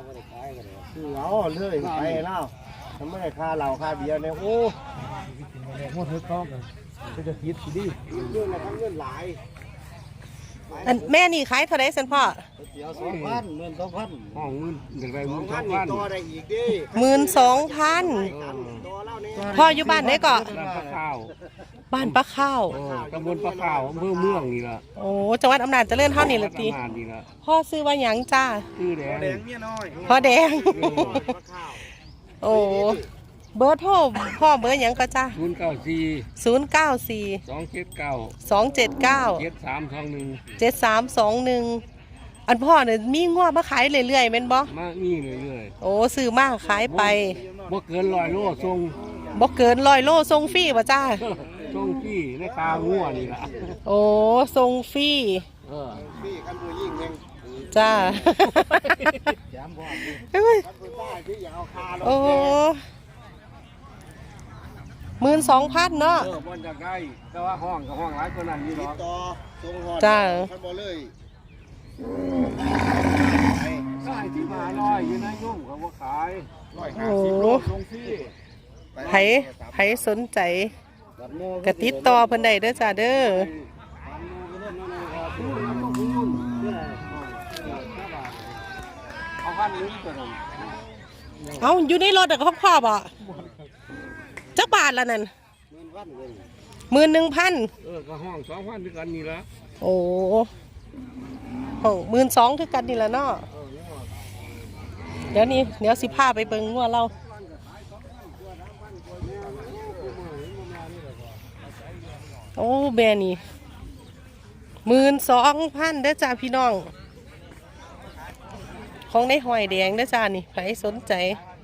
คือเอาเลยไปแล้วทำไมค่าเหล้าค่าเบียร์เนี่ยโอ้หมดเท่าต้องจะคิดสิดิเรื่องอะไรทั้งเรื่องหลายแม่นี่ขายเท่าไรสันพ่อเดี๋ยว2,00012,000ห้องเงินเดี๋ยวไป12,000ต่อได้อีกดิ 12,000พ่ออยู่บ้านไหนก็บ้านปลาข้าวตำบลปลาข้าวอำเภอเมืองนี่ล่ะโอ้จังหวัดอำนาจเจริญเท่านี้ละติพ่อซื้อว่าหยังจ้าชื่อแดงเมียน้อยพ่อแดงโอ้เบอร์โทรพ่อเบอร์หยังก็จ้า094 279 7321อันพ่อเนี่ยมีงัวมาขายเรื่อยๆแม่นบ่มามีเรื่อยๆโอ้ซื้อมาขายไปบ่เกิน100 โลส่งบ่เกิน100 โลส่งฟรีบ่จ้าส่งฟรีในคางัวนี่ล่ะโอ้ส่งฟรีฟรีคันผู้หญิงแม่งจ้าโอ้12,000เนาะบ่อยากได้แต่ว่าห้องกับห้องหลายกว่านั้นอยู่ดอกจ้าคันบ่เลยขายที่มาน้อยอยู่ในยุ่งเขาบ่ขาย150 โลส่งฟรีไผสนใจกระติดต่อเพิ่นได้เด้อจ้าเด้อเอาอยู่ในรถกับพ่อบ่จักบาทละนั่น11,000 ก็ห้อง2,000ด้วยกันนี่ละโอ้ห้อง12,000คือกันนี่ละเนาะเดี๋ยวสิพาไปเบิ่งงัวเราโอ้แบนี่12,000เด้อจ้าพี่น้องของในหอยแดงเด้อจ้านี่ใครสนใจ